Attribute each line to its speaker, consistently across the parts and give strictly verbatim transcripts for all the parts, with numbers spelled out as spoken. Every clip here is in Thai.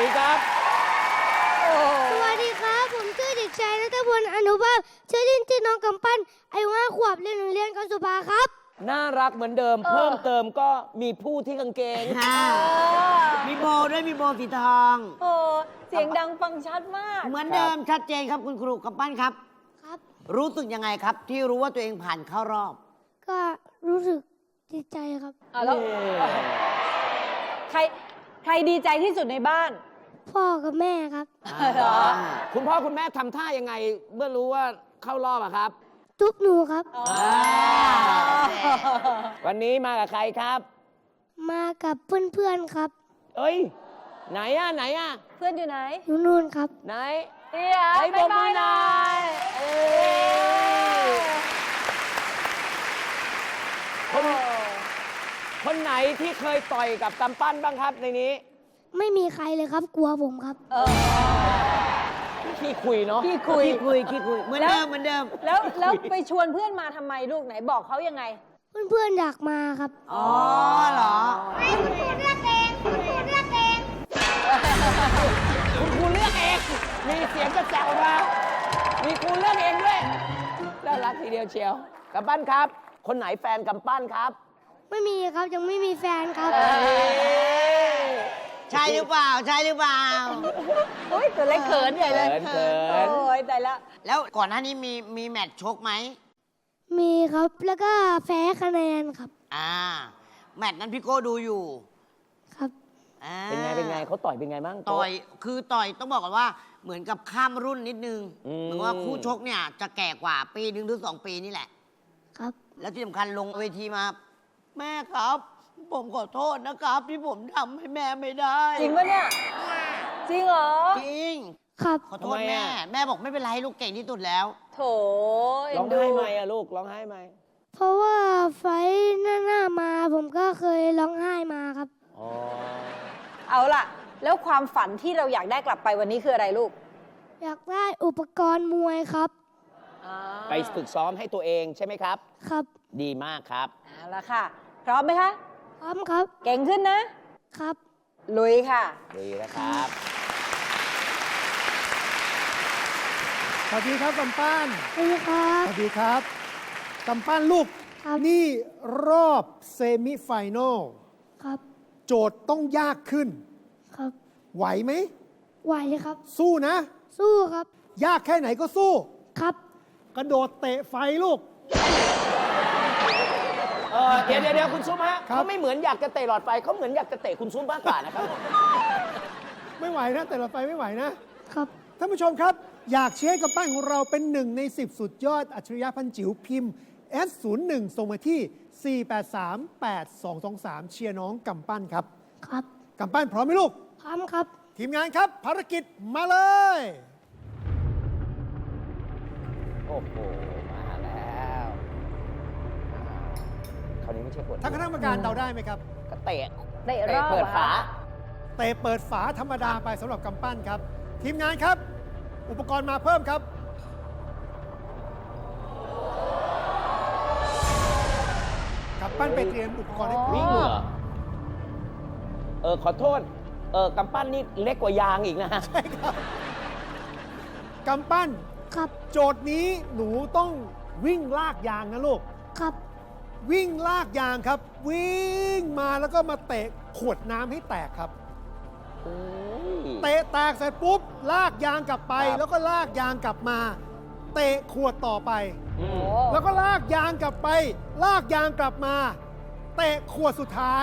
Speaker 1: ดีครับ
Speaker 2: สวัสดีครับผมชื่อเด็กชายณัฐพลอนุภาพชื่อเล่นชื่อน้องกำปั้นอายุห้าขวบเรียนโรงเรียนกสุภาครับ
Speaker 1: น่ารักเหมือนเดิม เพิ่มเติมก็มีผู้ที่กางเกง
Speaker 3: มีโบด้วยมีโบสีทอง
Speaker 4: โอ้เสียงดังฟังชัดมาก
Speaker 3: เหมือนเดิมชัดเจนครับคุณครูกำปั้นครับ
Speaker 2: ครับ
Speaker 3: รู้สึกยังไงครับ ที่รู้ว่าตัวเองผ่านเข้ารอบ
Speaker 2: ก็รู้สึกดีใจครับ
Speaker 4: อ่ะแล้วใครใครดีใจที่สุดในบ้าน
Speaker 2: พ่อกับแม่ครับ
Speaker 4: เหรอ
Speaker 1: คุณพ่อคุณแม่ทำท่ายังไงเมื่อรู้ว่าเข้ารอบอะครับ
Speaker 2: ทุบหนูครับ
Speaker 1: วันนี้มากับใครครับ
Speaker 2: มากับเพื่อนๆครับ
Speaker 1: เอ้ย ไหนอะไหนอะ
Speaker 4: เพื่อนอยู่ไหน
Speaker 2: อยู่นู่นครับ
Speaker 1: ไหน
Speaker 4: เดี๋ยว
Speaker 1: ไอ้บกมือหน่อยเอ้ยคนคนไหนที่เคยต่อยกับกำปั้นบ้างครับในนี้
Speaker 2: ไม่มีใครเลยครับกลัวผมครับ
Speaker 4: เออ
Speaker 1: ขี้คุยเนาะ
Speaker 4: พี่คุย
Speaker 3: ขี้คุยขี้คุยเหมือนเดิมเหมือนเดิม
Speaker 4: แล้วแล้วไปชวนเพื่อนมาทำไมลูกไหนบอกเขายังไง
Speaker 2: เพื่อนๆอยากมาครับ
Speaker 3: อ๋อเหรอ
Speaker 2: ให้คุณครูเลือกเองคุณครูเลือกเอง
Speaker 1: คุณครูเลือกเอง มีเสียงกระแจออกมา มีครูเลือกเองด้วยน่ารักทีเดียวเชียวกำปั้นครับ คนไหนแฟนกำปั้นครับ
Speaker 2: ไม่มีครับยังไม่มีแฟนครับ
Speaker 3: ใช่หรือเปล่า ใช่หรือเปล่า
Speaker 4: โอ้ยตัวเล็กเขินใหญ่เลย
Speaker 1: เขินเขิน
Speaker 4: โอ้ยแต่ละ
Speaker 3: แล้วก่อนหน้านี้มีมีแมตช์ชกไหม
Speaker 2: มีครับแล้วก็แพ้คะแนนครับ
Speaker 3: อ่า แมตช์นั้นพี่โก้ดูอยู่
Speaker 2: ครับ
Speaker 3: อ่า
Speaker 1: เป็นไง เป็นไงเขาต่อยเป็นไงบ้าง
Speaker 3: ต่อย คือต่อยต้องบอกก่อนว่าเหมือนกับข้ามรุ่นนิดนึง
Speaker 1: อืม
Speaker 3: เหมือนว่าคู่ชกเนี่ยจะแก่กว่าปีหนึ่งถึงสองปีนี่แหละ
Speaker 2: ครับ
Speaker 3: แล้วที่สำคัญลงเวทีมา แม่ครับ ผมขอโทษนะครับ ที่ผมทำให้แม่ไม่ได้
Speaker 4: จริงปะเนี่ย จริงเหรอ
Speaker 3: จริง
Speaker 2: ครับ
Speaker 3: ขอโทษแม่ แม่บอกไม่เป็นไรลูกเก่งที่สุดแล้ว
Speaker 4: โถเอ็
Speaker 1: ร้อน ง
Speaker 4: ดู
Speaker 1: ไห้ไหมอะลูกร้องไห้ไหม
Speaker 2: เพราะว่าไฟท์หน้าหน้ามาผมก็เคยร้องไห้มาครับ
Speaker 1: อ๋อ
Speaker 4: เอาล่ะ แล้วความฝันที่เราอยากได้กลับไปวันนี้คืออะไรลูก
Speaker 2: อยากได้อุปกรณ์มวยครับ
Speaker 1: ไปฝึกซ้อมให้ตัวเองใช่ไหมครับ
Speaker 2: ครับ
Speaker 1: ดีมากครับ
Speaker 4: เอาละค่ะ พร้อมไหมคะ
Speaker 2: พร้อมครับ
Speaker 4: เก่งขึ้นนะ
Speaker 2: ครับ
Speaker 4: ลุยค่ะ
Speaker 1: ดีนะครับ
Speaker 5: สวัสดีครับกำปั้น
Speaker 2: สวัสดีครับ
Speaker 5: สวัสดีครับกำปั้นลูก
Speaker 2: ครับ
Speaker 5: นี่รอบเซมิไฟแนล
Speaker 2: ครับ
Speaker 5: โจทย์ต้องยากขึ้น
Speaker 2: ครับ
Speaker 5: ไหวไหม
Speaker 2: ไหวครับ
Speaker 5: สู้นะ
Speaker 2: สู้ครับ
Speaker 5: ยากแค่ไหนก็สู้
Speaker 2: ครับ
Speaker 5: กระโดดเตะไฟลูก
Speaker 1: เออเดี๋ยวเดี๋ยวเดี๋ยวคุณซุปฮะ
Speaker 5: ครับ
Speaker 1: เขาไม่เหมือนอยากจะเตะหลอดไฟเขาเหมือนอยากจะเตะคุณซุปมากกว่านะครับ
Speaker 5: ไม่ไหวนะ แต่ละไฟไม่ไหวนะครับ ท่านผู้ชมครับ อยากเชียร์ให้กำปั้นของเราเป็นหนึ่งในสิบสุดยอดอัจฉริยะพันจิ๋วพิมพ์ เอส ศูนย์ หนึ่ง ส่งมาที่ สี่ แปด สาม แปด สอง สอง สาม เชียร์น้องกำปั้นครับ
Speaker 2: ครับ
Speaker 5: กำปั้นพร้อมไหมลูก
Speaker 2: พร้อมครับ
Speaker 5: ทีมงานครับ ภารกิจมาเลย
Speaker 1: โอ้โห มาแล้วคราวนี้ไม่ใช่กด
Speaker 5: ท่านคณะกรรมการเดาได้ไหมครับ
Speaker 1: ก็เตะ
Speaker 4: เตะรอบ
Speaker 1: เปิดฝา
Speaker 4: อะ
Speaker 5: เตะเปิดฝาธรรมดาไปสำหรับกำปั้นครับ ทีมงานครับ อุปกรณ์มาเพิ่มครับ กำปั้นไปเตรียมอุปกรณ์ให้พร้อ
Speaker 1: วิ่ง
Speaker 5: ม
Speaker 1: เหรอ เออ ขอโทษ เออกำปั้นนี่เล็กกว่ายางอีกนะฮะ
Speaker 5: ใช่ครับกำปั้น
Speaker 2: ครับ
Speaker 5: โจทย์นี้หนูต้องวิ่งลากยางนะลูก
Speaker 2: ครับ
Speaker 5: วิ่งลากยางครับ วิ่งมาแล้วก็มาเตะขวดน้ำให้แตกครับ
Speaker 1: โอ้ย
Speaker 5: เตะแตกเสร็จปุ๊บ ลากยางกลับไป
Speaker 1: ครับ
Speaker 5: แล้วก็ลากยางกลับมา เตะขวดต่อไป
Speaker 1: อืม
Speaker 4: โอ้
Speaker 5: แล้วก็ลากยางกลับไป ลากยางกลับมา เตะขวดสุดท้าย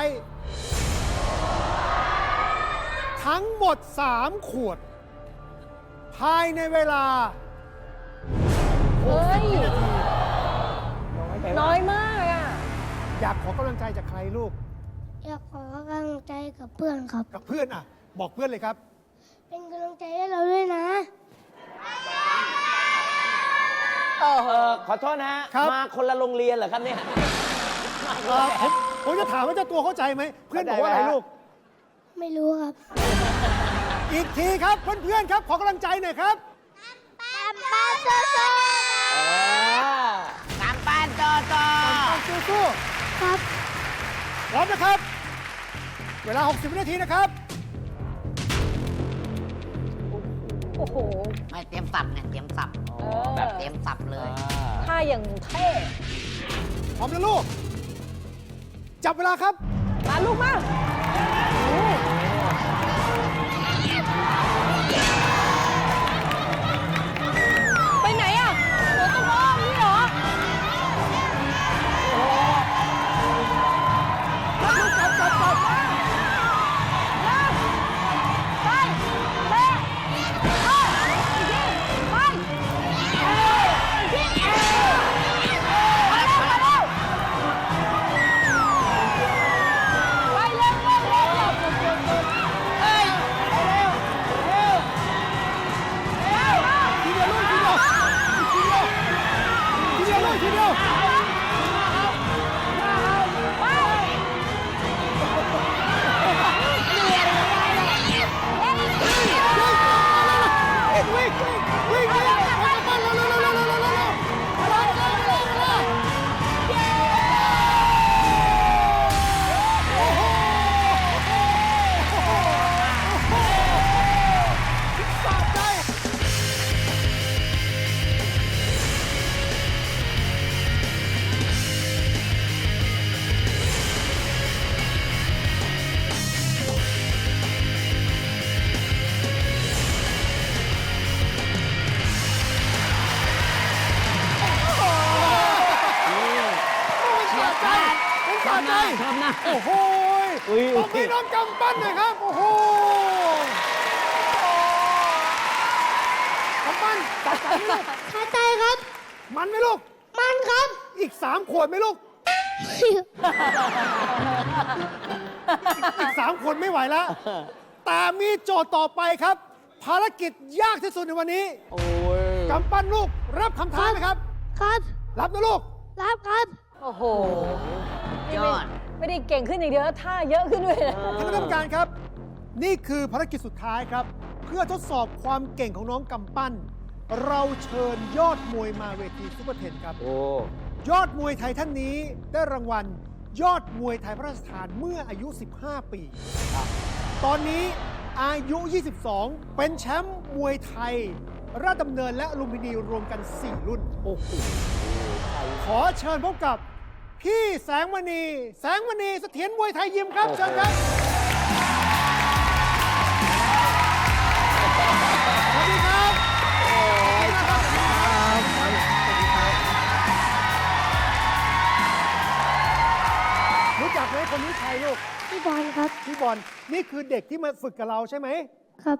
Speaker 5: ทั้งหมด สาม ขวด ภายในเวลา
Speaker 4: เฮ้ย
Speaker 1: น้อยไป
Speaker 4: น้
Speaker 1: มา
Speaker 4: อก ยมากอ่ะ
Speaker 5: อยากขอกำลังใจจากใครลูก
Speaker 2: อยากขอกำลังใจกับเพื่อนครับ
Speaker 5: กับเพื่อนอ่ะ บอกเพื่อนเลยครับ
Speaker 2: เป็นกำลังใจให้เราด้วยนะ
Speaker 4: โอ้โห
Speaker 1: เออขอโทษนะฮะ
Speaker 5: ครับ
Speaker 1: มาคนละโรงเรียนเหรอครับเนี่ย
Speaker 5: เอ่อผมผมจะถามว่าเจ้าตัวเข้าใจไหม เพื่อนบอกว่าอะไรลูก
Speaker 2: ไม่รู้ครับ
Speaker 5: อีกทีครับ เพื่อนๆครับ ขอกำลังใจหน่อยครับ
Speaker 2: ป้าป้าโซโซ
Speaker 1: เออ
Speaker 3: กำปั้นต่อต่อ
Speaker 5: สู้
Speaker 2: ครับ
Speaker 5: ๆพร้อมนะครับ เวลา หกสิบ วินาทีนะครับ
Speaker 4: โอ้โห
Speaker 3: ไม่เตรียมสับเนี่ยเตรียมสับ
Speaker 1: อ๋อ
Speaker 3: แบบเตรียมสับเลย
Speaker 4: ท่าอย่างเท่
Speaker 5: พร้อมนะลูก จับเวลาครับ
Speaker 4: มาลูกมาโอ้ไปไหนอ่ะหัวต้องอ้อมนี่เหรอ
Speaker 5: จับลูกจับจับจับ
Speaker 4: ไปไปไปไปอีกทีมาเร็วมาเร็วไปเร็วเร็วเร็วเฮ้ยเร็วเร็วเร็ว
Speaker 5: ทีเดียวลูกทีเดียวทีเดียวทีเดียวลูกทีเดียว
Speaker 4: ไป
Speaker 5: วิ่งวิ่งวิ่งวิ่งวิ่งไปกับบ้านเร็วเร็วเร็วเร็วเร็วเร็วเร็วเร็วเร็วเร็วเร็วเร็วเร็วโอ้โหสะใจ
Speaker 1: เฉียบขาด
Speaker 5: ผม
Speaker 1: ช
Speaker 5: สะ
Speaker 1: อบห
Speaker 5: ใจ
Speaker 1: น้าชอบหน้า
Speaker 5: โอ้โห
Speaker 1: อุ้ย
Speaker 5: ตบมือน้องกำปั้นหน่อยครับ โอ้โหกำปั้นตัดใจไหมลูก
Speaker 2: สะใจครับ
Speaker 5: มันไหมลูก
Speaker 2: มันครับ
Speaker 5: อีกสามขวดไหมลูก อีกสามขวดไม่ไหวแล้ว แต่มีโจทย์ต่อไปครับ ภารกิจยากที่สุดในวันนี้
Speaker 1: โอ้ย
Speaker 5: กำปั้นลูก รับคำท้าไหมครับ
Speaker 2: ครับ
Speaker 5: รับนะลูก
Speaker 2: รับครับ
Speaker 4: โอ้โห
Speaker 3: ยอด
Speaker 4: ไม่ได้เก่งขึ้นอย่างเดียวนะท่าเยอะขึ้นด้วยนะ
Speaker 5: ท่านคณะกรรมการครับ นี่คือภารกิจสุดท้ายครับ เพื่อทดสอบความเก่งของน้องกำปั้น เราเชิญยอดมวยมาเวทีซุปเปอร์เทนครับ
Speaker 1: โอ้
Speaker 5: ยอดมวยไทยท่านนี้ได้รางวัล ยอดมวยไทยพระราชทานเมื่ออายุ สิบห้า ปี ตอนนี้อายุ ยี่สิบสอง เป็นแชมป์มวยไทย ราชดำเนินและลุมพินีรวมกัน สี่ รุ่น
Speaker 1: โอ้โห
Speaker 5: ขอเชิญพบกับ พี่แสงมณี แสงมณีเสถียรมวยไทยยิมครับ เชิญครับ สวัสดีครับ รู้จักไหมคนนี้ใครลูก
Speaker 2: พี่บอลครับ
Speaker 5: พี่บอล นี่คือเด็กที่มาฝึกกับเราใช่ไหม
Speaker 2: ครับ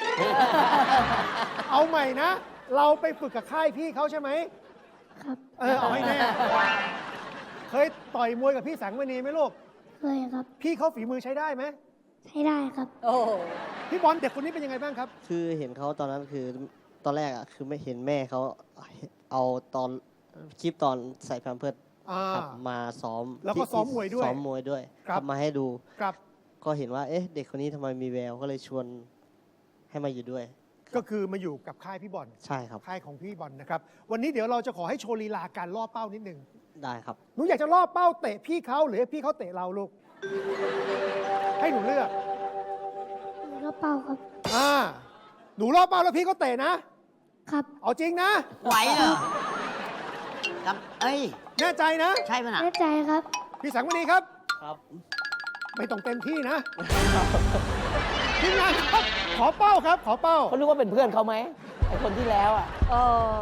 Speaker 5: เอาใหม่นะ เราไปฝึกกับค่ายพี่เขาใช่ไหม
Speaker 2: ครับ
Speaker 5: เออ เอาให้แน่ เคยต่อยมวยกับพี่แสงมณีไหมลูก
Speaker 2: เคยครับ
Speaker 5: พี่เขาฝีมือใช้ได้ไหม
Speaker 2: ใช้ได้ครับ
Speaker 4: โอ้โห
Speaker 5: พี่บอลเด็กคนนี้เป็นยังไงบ้างครับ
Speaker 6: คือเห็นเขาตอนนั้นคือตอนแรกอ่ะคือไม่เห็นแม่เขาเอาตอนคลิปตอนใส่แพมเพิร์ส
Speaker 5: อ่า
Speaker 6: ครับมาซ้อม
Speaker 5: แล้วก็
Speaker 6: ที่
Speaker 5: ซ้อมมวยด้วย
Speaker 6: ซ้อมมวยด้วย
Speaker 5: ครับ
Speaker 6: ทำมาให้ดู
Speaker 5: ครับ
Speaker 6: ก็เห็นว่าเอ๊ะเด็กคนนี้ทำไมมีแววก็เลยชวนให้มาอยู่ด้วย
Speaker 5: ก็คือมาอยู่กับค่ายพี่บอล
Speaker 6: ใช่ครับ
Speaker 5: ค่ายของพี่บอลนะครับ วันนี้เดี๋ยวเราจะขอให้โชว์ลีลาการล่อเป้านิดนึง
Speaker 6: ได้ครับ
Speaker 5: หนูอยากจะล่อเป้าเตะพี่เขาหรือให้พี่เขาเตะเราลูก ให้หนูเลือก
Speaker 2: หนูก็เป่าครับ
Speaker 5: อ่า หนูล่อเป้าแล้วพี่เขาเตะนะ
Speaker 2: ครับ
Speaker 5: เอาจริงนะ
Speaker 3: ไหวเหรอกับเอ้ย
Speaker 5: แน่ใจนะ
Speaker 3: ใช่ป่ะน่ะ
Speaker 2: แน่ใจครับ
Speaker 5: พี่แสงมณีครับ
Speaker 6: ครับ
Speaker 5: ไม่ต้องเต็มที่นะ ทีมงานครับ ขอเป้าครับ ขอเป้า
Speaker 1: เขานึกว่าเป็นเพื่อนเขาไหมไอคนที่แล้วอ่ะ
Speaker 4: เออ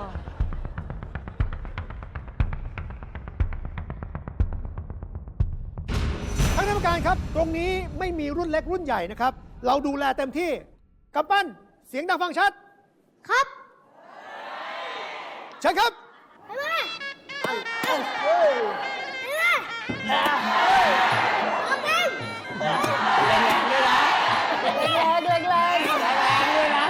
Speaker 5: ท่านคณะกรรมการครับ ตรงนี้ไม่มีรุ่นเล็กรุ่นใหญ่นะครับ เราดูแลเต็มที่กำปั้น เสียงดังฟังชัด
Speaker 2: ครับ
Speaker 5: เชิญครับ
Speaker 2: ไปมาไปมาเอาเต็ม
Speaker 1: แรงๆด้วยนะ
Speaker 4: แรงแรงแรง
Speaker 1: แรงๆด้วยนะ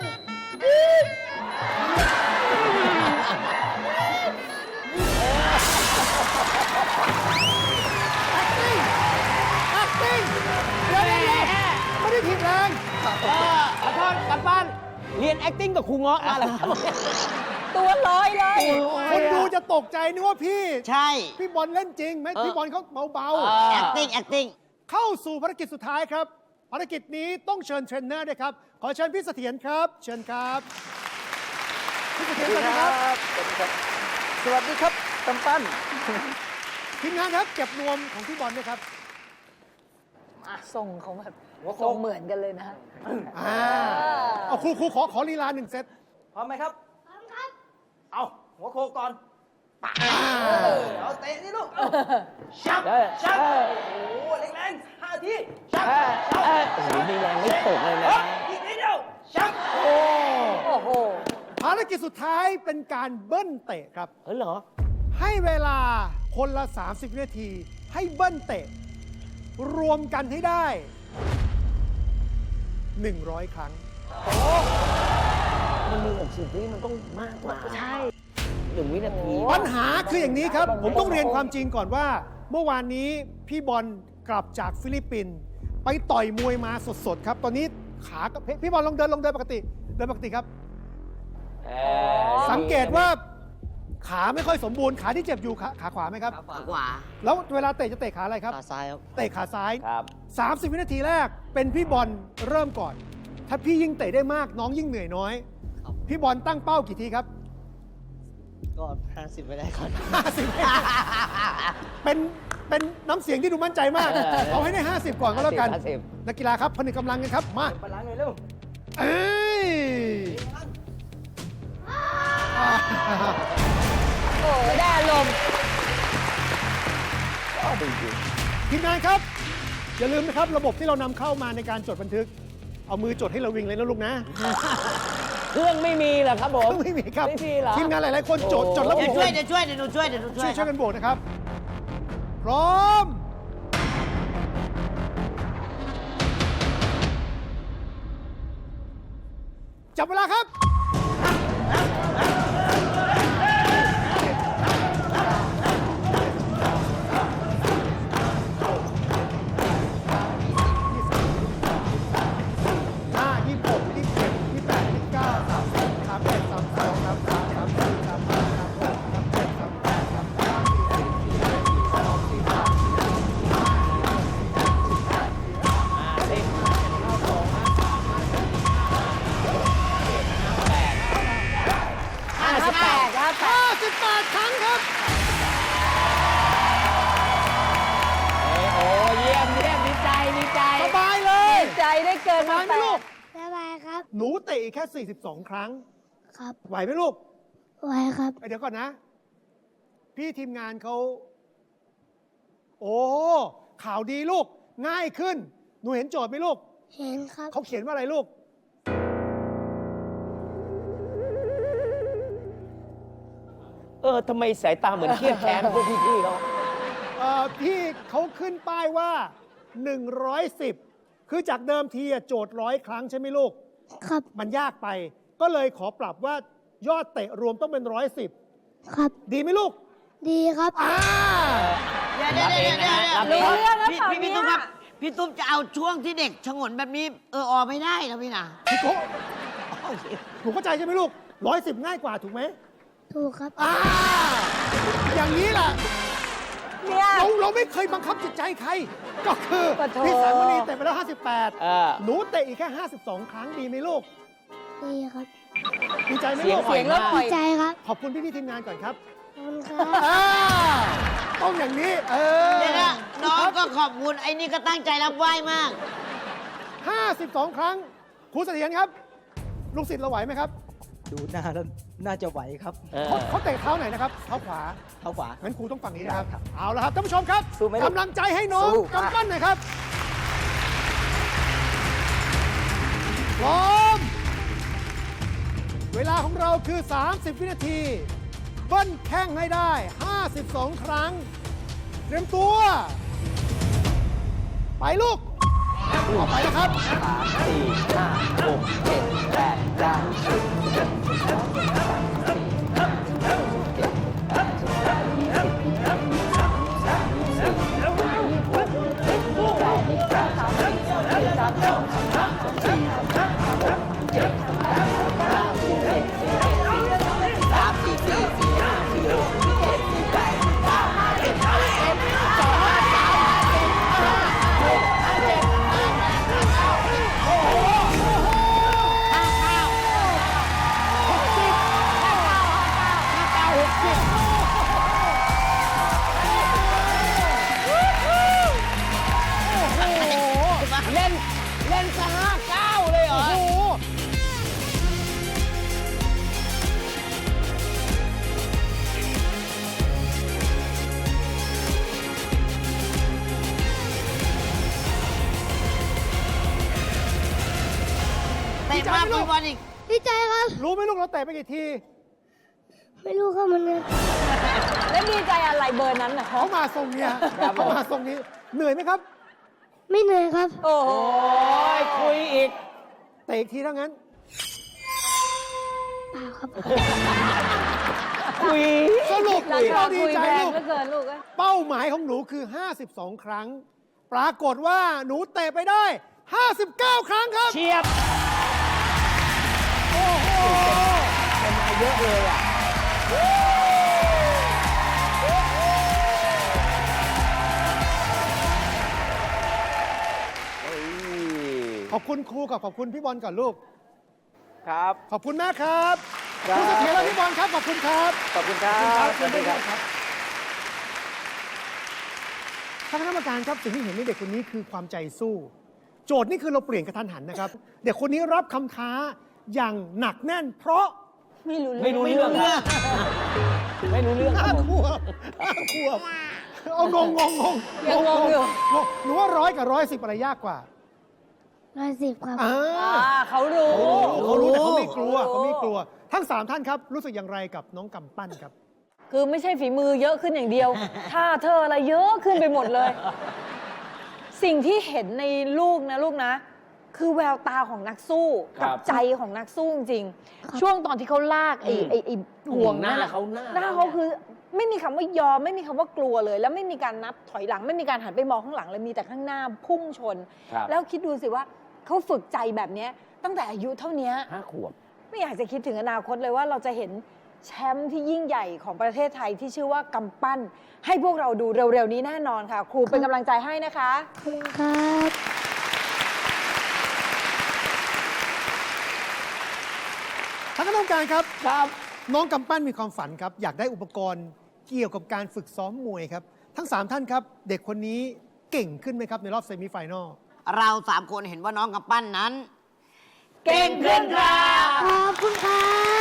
Speaker 5: acting เดี๋ยวเดี๋ยวเดี๋ยวไม่ได้ผิดแรง
Speaker 1: เออขอโทษกลับบ้าน เรียน acting กับครูเงาะมาแล้วครับ
Speaker 4: ตัวลอยเลย
Speaker 5: คนดูจะตกใจนึกว่าพี่
Speaker 3: ใช่
Speaker 5: พี่บอลเล่นจริงไหม
Speaker 1: เออ
Speaker 5: พี่บอลเขาเบา
Speaker 1: เออ
Speaker 3: acting acting
Speaker 5: ๆ เข้าสู่ภารกิจสุดท้ายครับภารกิจนี้ต้องเชิญเทรนเนอร์ด้วยครับ ขอเชิญพี่เสถียรครับ เชิญครับพี่เสถียรสวัสดีครับ
Speaker 4: สวัสดีครับ สวัสดีครับกำปั้น
Speaker 5: ทีมงานครับเก็บนวมของพี่บอลด้วยครับ
Speaker 7: อ่ะทรงเขาแบบทรงเหมือนกันเลยนะฮะ
Speaker 5: อ่าเอาครูครูขอขอลีลาหนึ่งเซต
Speaker 4: พร้อมไหมครับ
Speaker 2: พร้อมครับ
Speaker 4: เอาหัวโคก่อนปะ
Speaker 5: อ่า
Speaker 4: เอาเตะนี่ลูกชับชับโอ้โหแรงๆห้าทีชับ
Speaker 1: เออ
Speaker 4: ชับ
Speaker 1: เออโอ้โหมีแรงไม่ตกเลยนะ
Speaker 4: อีกนิดเดียวชับ
Speaker 5: โอ้
Speaker 7: โอ้โห
Speaker 5: ภารกิจสุดท้ายเป็นการเบิ้ลเตะครับ
Speaker 1: เออเหรอ
Speaker 5: ให้เวลาคนละ สามสิบ วินาที ให้เบิ้ลเตะ รวมกันให้ได้ หนึ่งร้อย ครั้ง
Speaker 1: มันมีหกสิบวิมันต้องมากกว่า ใช่หนึ่งวินาที
Speaker 5: ปัญหาคืออย่างนี้ครับ ผมต้องเรียนความจริงก่อนว่า เมื่อวานนี้พี่บอลกลับจากฟิลิปปินส์ไปต่อยมวยมาสดๆครับ ตอนนี้ขาก็พี่บอลลองเดินลองเดินปกติ เดินปกติครับ
Speaker 1: เออ
Speaker 5: สังเกตว่าขาไม่ค่อยสมบูรณ์ ขาที่เจ็บอยู่ขาขาขวาไหมครับ
Speaker 3: ขวา
Speaker 5: แล้วเวลาเตะจะเตะขาอะไรครับ
Speaker 6: ขาซ้ายครับ
Speaker 5: เตะขาซ้าย
Speaker 1: ครับ
Speaker 5: 30 วินาทีแรกเป็นพี่บอลเริ่มก่อน ถ้าพี่ยิ่งเตะได้มากน้องยิ่งเหนื่อยน้อย
Speaker 6: ครับ
Speaker 5: พี่บอลตั้งเป้ากี่ทีครับ
Speaker 6: ก็ห้าสิบไปได้ก่อน
Speaker 5: 50 เป็นเป็นน้ำเสียงที่ดูมั่นใจมาก เอาให้ได้ 50 ก่อนก็แล้วกัน
Speaker 1: ห้าสิบ
Speaker 5: นักกีฬาครับผนึกกำลังกันครับ มา
Speaker 4: พลังหน่อยเร็ว
Speaker 5: เอ้ย
Speaker 7: โอ้ยได้อารมณ์
Speaker 1: ก็จริง
Speaker 5: ทีมงานครับ อย่าลืมนะครับ ระบบที่เรานำเข้ามาในการจดบันทึก เอามือจดให้เราวิ่งเลยนะลูกนะ
Speaker 1: ๆเครื่องไม่มีเหรอครับผม
Speaker 5: ไม่มีครับ
Speaker 1: ไม่มีเหรอ
Speaker 5: ทีมงานหลาย ๆ คนจดจดแล้ว
Speaker 3: เดี๋ยว
Speaker 5: บว
Speaker 3: ช่วย
Speaker 5: ก
Speaker 3: เดี๋ยวช่วยเดี๋ยวหนูช่วยเดี๋ยวหนูช่
Speaker 5: ช่
Speaker 3: ว
Speaker 5: วย ยช่วยกันบวกนะครับ พร้อม จับเวลาครับ ห้า ยี่สิบหก ยี่สิบเจ็ด ยี่สิบแปด ยี่สิบเก้า สามสิบ สามสิบเอ็ด สามสิบสอง สามสิบสาม สามสิบสี่ สามสิบห้า สามสิบหก สามสิบเจ็ด สามสิบแปด สามสิบเก้า สี่สิบ สี่สิบเอ็ด สี่สิบสอง สี่สิบสาม สี่สิบสี่
Speaker 1: ห้าสิบแปดครับ
Speaker 5: ห้าสิบแปดครั้งครับ
Speaker 1: โอ้เยี่ยมเยี่ยมดีใจดีใจ
Speaker 5: สบายเลย
Speaker 7: ใจได้เกิน
Speaker 5: สบายไหมลูก
Speaker 2: สบายครับ
Speaker 5: หนูเตะอีกแค่ สี่สิบสอง ครั้ง
Speaker 2: ครับ
Speaker 5: ไหวไหมลูก
Speaker 2: ไว้ครับ
Speaker 5: เดี๋ยวก่อนนะ พี่ทีมงานเขา โอ้ ข่าวดีลูก ง่ายขึ้น หนูเห็นโจทย์ไหมลูก
Speaker 2: เห็นครับ
Speaker 5: เขาเขียนว่าอะไรลูก
Speaker 1: เออทำไมสายตาเหมือนเครียดแค้นพวกพี่ๆเขา
Speaker 5: เอ่อพี่เขาขึ้นป้ายว่า หนึ่งร้อยสิบ คือจากเดิมทีอะโจทย์ร้อยครั้งใช่ไหมลูก
Speaker 2: ครับ
Speaker 5: มันยากไป ก็เลยขอปรับว่ายอดเตะรวมต้องเป็นร้อยสิบ
Speaker 2: ครับ
Speaker 5: ดีไหมลูก
Speaker 2: ดีครับ
Speaker 5: อ่า
Speaker 3: เดี๋ยวเดี๋ยวเดี๋ยวเดี๋ยวเดี๋ยว
Speaker 7: รู้เรื่องแล้ว
Speaker 3: พี่
Speaker 7: เปล่า
Speaker 3: พี่พี่
Speaker 7: เนี่
Speaker 3: ตุ๊กครับ
Speaker 7: ย
Speaker 3: พี่ตุ๊กจะเอาช่วงที่เด็กชงนแบบนี้ เออออไม่ได้นะพี่นะ
Speaker 5: พี่โกหนูเข้าใจใช่ไหมลูกร้อยสิบง่ายกว่าถูกไหม
Speaker 2: ถูกครับ
Speaker 5: อ่า อย่างนี้แหละ
Speaker 7: เนี่ย
Speaker 5: เราเราไม่เคยบังคับจิตใจใคร ก็คือ
Speaker 7: ปะโถ
Speaker 5: พี่สายมณีเตะไปแล้ว ห้าสิบแปด
Speaker 1: เออ
Speaker 5: หนูเตะอีกแค่ ห้าสิบสอง ครั้งดีไหมลูก
Speaker 2: ดีครับ
Speaker 5: ดีใจไหม
Speaker 1: เสีย
Speaker 5: ลู
Speaker 1: ง
Speaker 5: ก
Speaker 1: อ่อย
Speaker 7: เริ่ม
Speaker 1: มาก
Speaker 7: ปล่
Speaker 2: ดี
Speaker 7: อย
Speaker 2: ใจครับ
Speaker 5: ขอบคุณพี่พี่ๆทีมงานก่อนครับ
Speaker 2: ขอบคุณครับ
Speaker 5: อ่าต้องอย่างนี้ เออ
Speaker 3: เดี๋ยวนะน้องก็ขอบคุณไอ้นี่ก็ตั้งใจรับไหว้มาก
Speaker 5: ห้าสิบสอง ครั้งครูเสถียรครับ ลูกศิษย์เราไหวไหมครับ
Speaker 4: ดูหน้าแล้วน่าจะไหวครับ
Speaker 1: เออ
Speaker 5: เขาเขาเตะเท้าไหนนะครับ เท้าขวา
Speaker 4: เท้าขวา
Speaker 5: งั้นครูต้องฝั่งนี้นะครับ
Speaker 4: ได้ครับ
Speaker 5: เอาละครับท่านผู้ชมครับ
Speaker 4: สู้ไหมลูก
Speaker 5: กำลังใจให้น้อง
Speaker 4: สู้
Speaker 5: กำปั้นหน่อยครับ พร้อม เวลาของเราคือ สามสิบ วินาที เบิ้ลแข้งให้ได้ ห้าสิบสอง ครั้ง เตรียมตัว ไปลูกออกไปนะครับ
Speaker 1: สามสี่ห้าหกเจ็ดแปดเก้าสิบสิบเอ็ดสิบสองสิบสามสิบสี่สิบห้าสิบหกสิบเจ็ดสิบแปดสิบเก้ายี่สิบยี่สิบเอ็ดยี่สิบสองยี่สิบสามยี่สิบสี่ยี่สิบห้ายี่สิบหกยี่สิบเจ็ดยี่สิบแปดยี่สิบเก้าสามสิบสามสิบเอ็ดสามสิบสองสามสิบสามสามสิบสี่สามสิบห้าสามสิบหกสามสิบเจ็ดสามสิบแปดสามสิบเก้าสี่สิบสี่สิบเอ็ดสี่สิบสองสี่สิบสามสี่สิบสี่สี่ห้าสี่หกสี่เจ็ดสี่แปดสี่เก้าห้าสิบห้าสิบเอ็ดสองห้าสามห้าสิบห้าหกห้าเจ็ดห้าแปดห้าเก้า
Speaker 5: ใจ
Speaker 3: มาก
Speaker 5: ไหมลู
Speaker 3: พี่
Speaker 5: ก
Speaker 3: บอลอีก
Speaker 2: ดีใจครับ
Speaker 5: รู้ไหมลูกเราเตะไปกี่ที
Speaker 2: ไม่รู้ครับมันเนี่ย
Speaker 7: แล้วดีใจอะไรเบอร์นั้นน่ะ
Speaker 5: เขามาทรงเนี้ยเขามาทรงนี้เหนื่อยไหมครับ
Speaker 2: ไม่เหนื่อยครับ
Speaker 7: โอ้โห
Speaker 4: โอ้ยคุยอีก
Speaker 5: เตะอีกทีเท่านั้น
Speaker 2: เปล่าครับ
Speaker 4: คุย
Speaker 5: สรุป
Speaker 7: รา
Speaker 5: ที่
Speaker 7: คา
Speaker 5: เราดี
Speaker 7: คุย
Speaker 5: ใจ
Speaker 7: แพง
Speaker 5: ลูก
Speaker 7: เหลือเกินลูกเอ้ย
Speaker 5: เป้าหมายของหนูคือ ห้าสิบสอง ครั้ง ปรากฏว่าหนูเตะไปได้ ห้าสิบเก้า ครั้งครับ
Speaker 4: เฉียบ
Speaker 5: โอ้โห
Speaker 4: เป็นมาเยอะเลยอ่ะ เฮ้ย
Speaker 5: ขอบคุณครูกับขอบคุณพี่บอลก่อนลูก
Speaker 4: ครับ
Speaker 5: ขอบคุณมากครับ
Speaker 4: ครับ
Speaker 5: คุณเสถียรและพี่บอลครับ ขอบคุณครับ
Speaker 4: ขอบคุณครับ
Speaker 5: ขอบคุณครับครับท่านคณะกรรมการครับสิ่งที่เห็นในเด็กคนนี้คือความใจสู้ โจทย์นี่คือเราเปลี่ยนกระทันหันนะครับ เด็กคนนี้รับคำท้าอย่างหนักแน่น เพราะ
Speaker 7: ไม่รู้
Speaker 4: ไม่รู้เรื่องครับไม่รู้เรื่องค
Speaker 5: ห้า
Speaker 4: รับผม
Speaker 5: ขวบห้าขวบเอางงงงงง
Speaker 7: ยังงงอยู่
Speaker 5: งงหนูว่าร้อยกับร้อยสิบอะไรยากกว่า
Speaker 2: ร้อยสิบครับ
Speaker 5: อ่า
Speaker 7: อ่าเขารู้
Speaker 5: เขารู้แต่เขาไม่กลัวเขาไม่กลัว ทั้งสามท่านครับรู้สึกอย่างไรกับน้องกำปั้นครับ
Speaker 7: คือไม่ใช่ฝีมือเยอะขึ้นอย่างเดียว ท่าเธออะไรเยอะขึ้นไปหมดเลย สิ่งที่เห็นในลูกนะลูกนะ คือแววตาของนักสู้
Speaker 4: ครั
Speaker 7: กับ ใจของนักสู้จริงๆช่วงตอนที่เขาลากไอ้
Speaker 4: อืม
Speaker 7: ไอ้ไอ้ห่วง
Speaker 4: หน้า
Speaker 7: นั่นน่ะ
Speaker 4: เขาหน้า
Speaker 7: หน้าเขาคือไม่มีคำว่ายอมไม่มีคำว่ากลัวเลย แล้วไม่มีการนับถอยหลัง ไม่มีการหันไปมองข้างหลังเลยมีแต่ข้างหน้าพุ่งชน
Speaker 4: ครับ
Speaker 7: แล้วคิดดูสิว่าเขาฝึกใจแบบเนี้ยตั้งแต่อายุเท่านี้
Speaker 4: ห้าขวบ
Speaker 7: ไม่อยากจะคิดถึงอนาคตเลยว่าเราจะเห็นแชมป์ที่ยิ่งใหญ่ของประเทศไทยที่ชื่อว่ากำปั้น ให้พวกเราดูเร็วๆนี้แน่นอนค่ะ ครูเป็นกำลังใจให้นะคะ
Speaker 2: ขอบคุณครับ
Speaker 5: ท่านคณะกรรมการครับ
Speaker 4: ครับ
Speaker 5: น้องกำปั้นมีความฝันครับ อยากได้อุปกรณ์เกี่ยวกับการฝึกซ้อมมวยครับ ทั้งสามท่านครับ เด็กคนนี้เก่งขึ้นไหมครับในรอบเซมิไฟแนล
Speaker 3: เราสามคนเห็นว่าน้องกำปั้นนั้น
Speaker 4: เก่งขึ้นครับ
Speaker 2: ขอบคุณครับ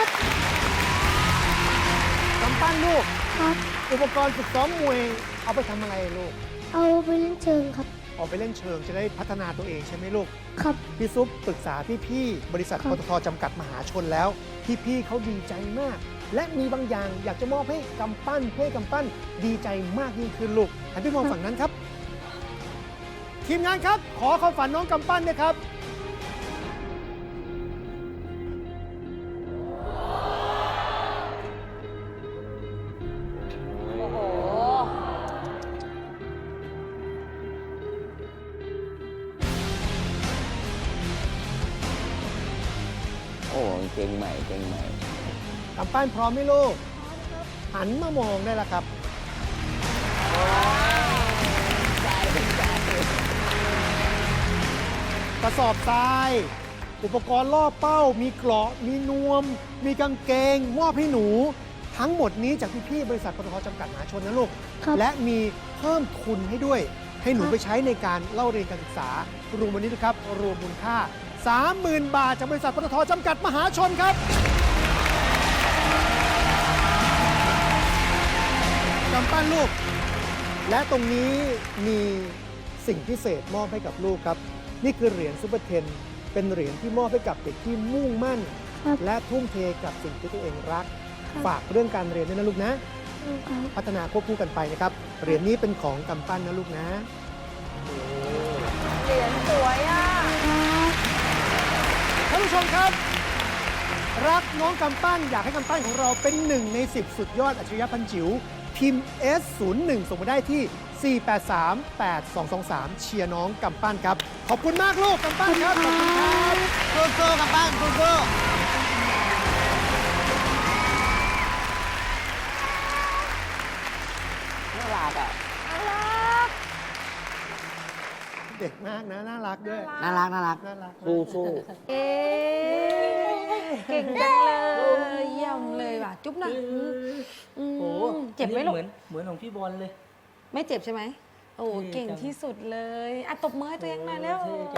Speaker 5: กำปั้นลูก
Speaker 2: ครับ
Speaker 5: อุปกรณ์ฝึกซ้อมมวยเอาไปทำอะไรลูก
Speaker 2: เอาไปเล่นเชิงครับ
Speaker 5: ออกไปเล่นเชิงจะได้พัฒนาตัวเองใช่ไหมลูก
Speaker 2: ครับ
Speaker 5: พี่ซุปปรึกษาพี่ๆบริษัท
Speaker 2: ครั
Speaker 5: ป
Speaker 2: บ
Speaker 5: ตทจำกัดมหาชนแล้ว พี่ๆเขาดีใจมาก และมีบางอย่างอยากจะมอบให้กำปั้นเพื่อให้กำปั้นดีใจมากยิ่งขึ้นลูกหันไปมองฝั่งนั้นครับ ทีมงานครับ ขอความฝันน้องกำปั้นด้วยครับ
Speaker 7: โอ้โห
Speaker 4: โอ้เก่งใหม่เก่งใหม่
Speaker 5: กำปั้นพร้อมไหมลูก หันมามองได้แล้วครับ กระสอบทราย อุปกรณ์ล่อเป้า มีเกราะ มีนวม มีกางเกง มอบให้หนู ทั้งหมดนี้จากพี่ๆบริษัทปตทจำกัดมหาชนนะลูก
Speaker 2: ครับ
Speaker 5: และมีเพิ่มทุนให้ด้วย ให้หนูไปใช้ในการเล่าเรียนการศึกษารวมวันนี้นะครับ รวมมูลค่า สามหมื่น บาท จากบริษัทปตทจำกัดมหาชนครับ กำปั้นลูก และตรงนี้มีสิ่งพิเศษมอบให้กับลูกครับ นี่คือเหรียญซุปเปอร์เทน เป็นเหรียญที่มอบให้กับเด็กที่มุ่งมั่น
Speaker 2: ครับ
Speaker 5: และทุ่มเทกับสิ่งที่ตัวเองรัก
Speaker 2: ครับ
Speaker 5: ฝากเรื่องการเรียนด้วยนะลูกนะ
Speaker 2: ครับ
Speaker 5: พัฒนาควบคู่กันไปนะครับ เหรียญนี้เป็นของกำปั้นนะลูกนะ
Speaker 7: เหรียญสวยอ่ะ
Speaker 5: ท่านผู้ชมครับ รักน้องกำปั้นอยากให้กำปั้นของเราเป็นหนึ่งในสิบสุดยอดอัจฉริยะพันจิ๋วพิมพ์ เอส ศูนย์หนึ่ง ส่งมาได้ที่ สี่ แปด สาม แปด สอง สอง สาม เชียร์น้องกำปั้นครับ ขอบคุณมากลูกกำปั้นครับ ขอบคุณครับ
Speaker 3: สู้ๆกำปั้นสู้ๆ
Speaker 4: น่ารักอ่ะ
Speaker 5: เด็กมากนะ น่ารักด้วย
Speaker 3: น่ารักน่ารัก
Speaker 5: น่ารัก
Speaker 4: สู้สู้
Speaker 7: เอ๊ะเก่งจังเลยเยี่ยมเลยว่ะ จุ๊บหน่อยอืม
Speaker 8: โอ้
Speaker 7: เจ็บไหมลูก
Speaker 8: เหมือนเหมือนของพี่บอลเลย
Speaker 7: ไม่เจ็บใช่ไหม โอ้
Speaker 8: เท่จัง
Speaker 7: เก่งที่สุดเลยอ่ะตบมือให้ตัวเองหน่อยแล้ว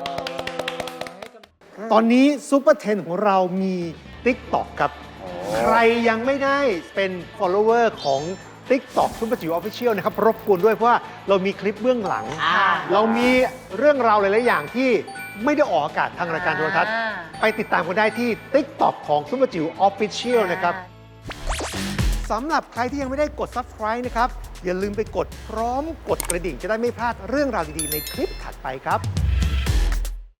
Speaker 5: ตอนนี้ซูเปอร์เทนของเรามี TikTok ครับ ใครยังไม่ได้เป็น follower ของ TikTok ซุปเปอร์จิ๋วออฟฟิเชียลนะครับ รบกวนด้วยเพราะว่าเรามีคลิปเบื้องหลัง
Speaker 3: อ่า
Speaker 5: เรามีเรื่องราวหลาย ๆ อย่างที่ไม่ได้ออกอากาศทางรายการโทรทัศน์
Speaker 7: อ่า
Speaker 5: ไปติดตามกันได้ที่ TikTok ของซุปเปอร์จิ๋ว Official นะครับ สำหรับใครที่ยังไม่ได้กด Subscribe นะครับ อย่าลืมไปกดพร้อมกดกระดิ่งจะได้ไม่พลาดเรื่องราวดี ๆ ในคลิปถัดไปครับ